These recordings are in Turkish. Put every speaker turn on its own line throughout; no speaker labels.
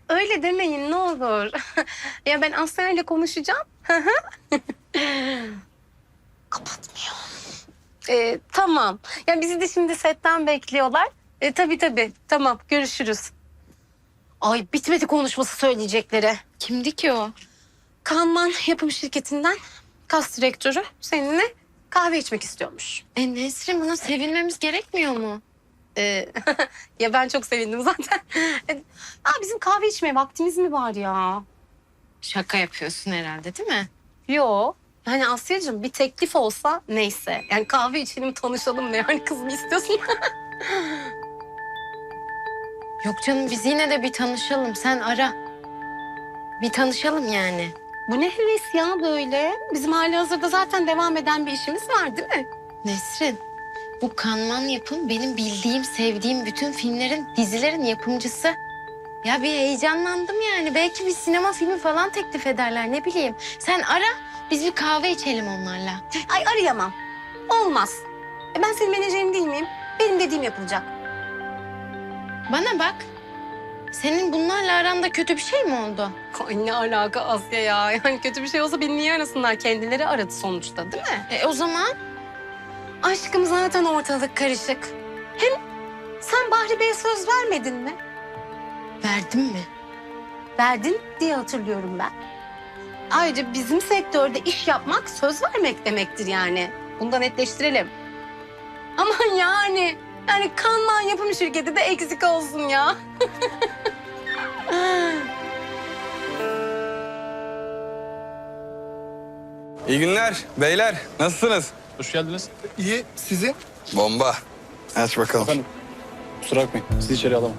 öyle demeyin ne olur. Ya ben Asya ile konuşacağım. Kapatmıyor. Tamam. Ya bizi de şimdi setten bekliyorlar. Tabii. Tamam görüşürüz. Ay bitmedi konuşması söyleyecekleri.
Kimdi ki o?
Kanman yapım şirketinden kas direktörü seninle kahve içmek istiyormuş.
Nesrin, buna sevinmemiz gerekmiyor mu?
Ya ben çok sevindim zaten. Bizim kahve içmeye vaktimiz mi var ya?
Şaka yapıyorsun herhalde, değil mi?
Yo. Yani Asya'cığım bir teklif olsa neyse. Yani kahve içelim tanışalım ne yani kız mı istiyorsun?
Yok canım, biz yine de bir tanışalım. Sen ara. Bir tanışalım yani.
Bu ne heves ya böyle? Bizim halihazırda zaten devam eden bir işimiz var değil mi?
Nesrin, bu Kanman Yapım benim bildiğim, sevdiğim bütün filmlerin, dizilerin yapımcısı. Ya bir heyecanlandım yani. Belki bir sinema filmi falan teklif ederler, ne bileyim. Sen ara, biz bir kahve içelim onlarla.
Ay arayamam. Olmaz. Ben senin menajerin değil miyim? Benim dediğim yapılacak.
Bana bak. Senin bunlarla aranda kötü bir şey mi oldu?
Ay ne alaka Asya ya? Yani kötü bir şey olsa beni niye arasınlar? Kendileri aradı sonuçta değil mi?
O zaman
Aşkım zaten ortalık karışık. Hem sen Bahri Bey'e söz vermedin mi?
verdim mi?
Verdin diye hatırlıyorum ben. Ayrıca bizim sektörde iş yapmak söz vermek demektir yani. Bunu da netleştirelim. Aman yani Kanman yapım şirketi de eksik olsun ya.
İyi günler beyler. Nasılsınız?
Hoş geldiniz.
İyi, sizin?
Bomba. Aç bakalım.
Efendim, kusura bakmayın. Sizi içeri alamam.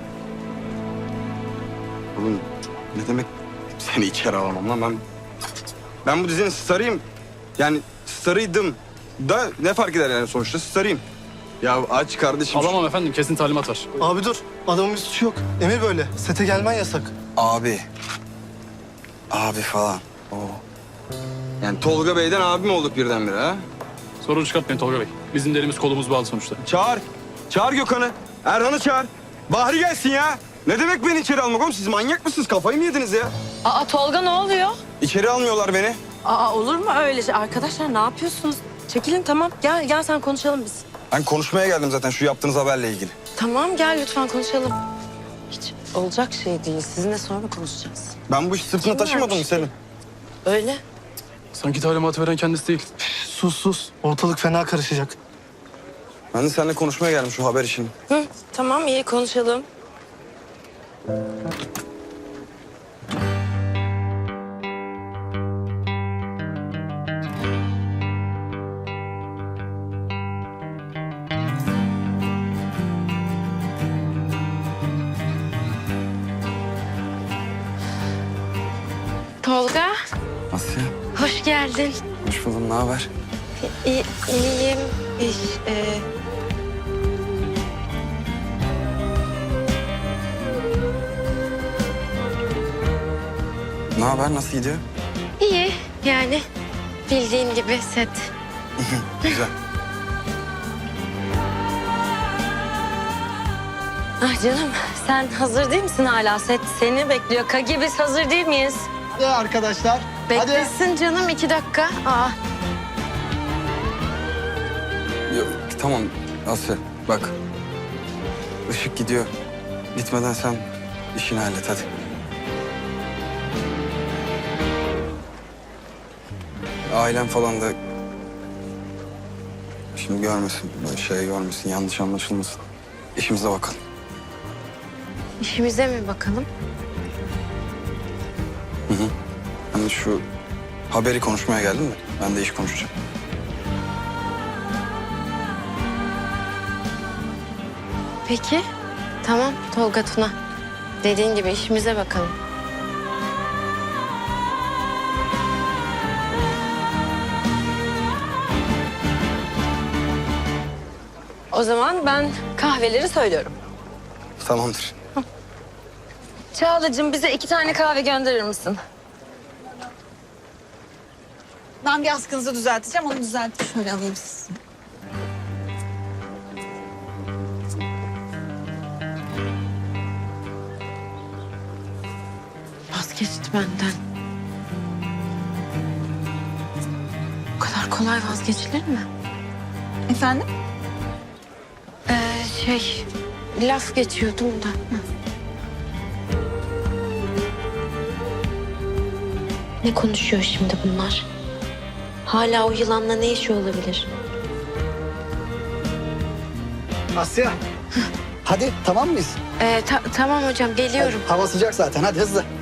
Oğlum ne demek seni içeri alamam lan ben bu dizinin starıyım. Yani starıydım da ne fark eder yani sonuçta starıyım. Ya aç kardeşim.
Alamam efendim, kesin talimat var.
Abi dur, adamın bir suçu yok. Emir böyle, sete gelmen yasak.
Abi. Abi falan. Oo. Yani Tolga Bey'den abi mi olduk birdenbire ha?
Sorun çıkartmayın Tolga Bey. Bizim de elimiz kolumuz bağlı sonuçta.
Çağır. Çağır Gökhan'ı. Erhan'ı çağır. Bahri gelsin ya. Ne demek beni içeri almak oğlum? Siz manyak mısınız? Kafayı mı yediniz ya?
Tolga ne oluyor?
İçeri almıyorlar beni.
Olur mu öyle şey? Arkadaşlar ne yapıyorsunuz? Çekilin tamam. Gel sen konuşalım biz.
Ben konuşmaya geldim zaten şu yaptığınız haberle ilgili.
Tamam gel lütfen konuşalım. Hiç olacak şey değil. Sizinle sonra konuşacağız.
Ben bu işi sırtına taşımadım mı Selim?
Öyle.
Sanki talimatı veren kendisi değil.
Sus, ortalık fena karışacak.
Ben de seninle konuşmaya geldim şu haber işini.
Tamam iyi konuşalım.
Tolga,
Asya,
hoş geldin.
hoş buldum. Ne haber?
İyiyim.
Ne haber? Nasıl gidiyor?
İyi yani. Bildiğin gibi set.
Güzel.
Canım sen hazır değil misin hala? Set seni bekliyor. Kagi biz hazır değil miyiz?
Ya arkadaşlar,
Beklesin canım 2 dakika.
Yok, tamam Asya bak. Işık gidiyor. Gitmeden sen işini hallet hadi. Ailem falan da şimdi görmesin, böyle şey görmesin, yanlış anlaşılmasın. İşimize bakalım.
İşimize mi bakalım?
Hani şu haberi konuşmaya geldim de ben de iş konuşacağım.
Peki. Tamam Tolga Tuna. Dediğin gibi işimize bakalım.
O zaman ben kahveleri söylüyorum.
Tamamdır.
Çağla'cığım bize 2 tane kahve gönderir misin?
Ben bir askınızı düzelteceğim. Onu düzeltip şöyle alayım sizi.
vazgeçti benden. Bu kadar kolay vazgeçilir mi?
Efendim?
Laf geçiyordum da. Hı.
Ne konuşuyor şimdi bunlar? Hala o yılanla ne işi olabilir?
Asya. Hadi tamam mıyız?
Tamam hocam, geliyorum.
Hava sıcak zaten, hadi hızlı.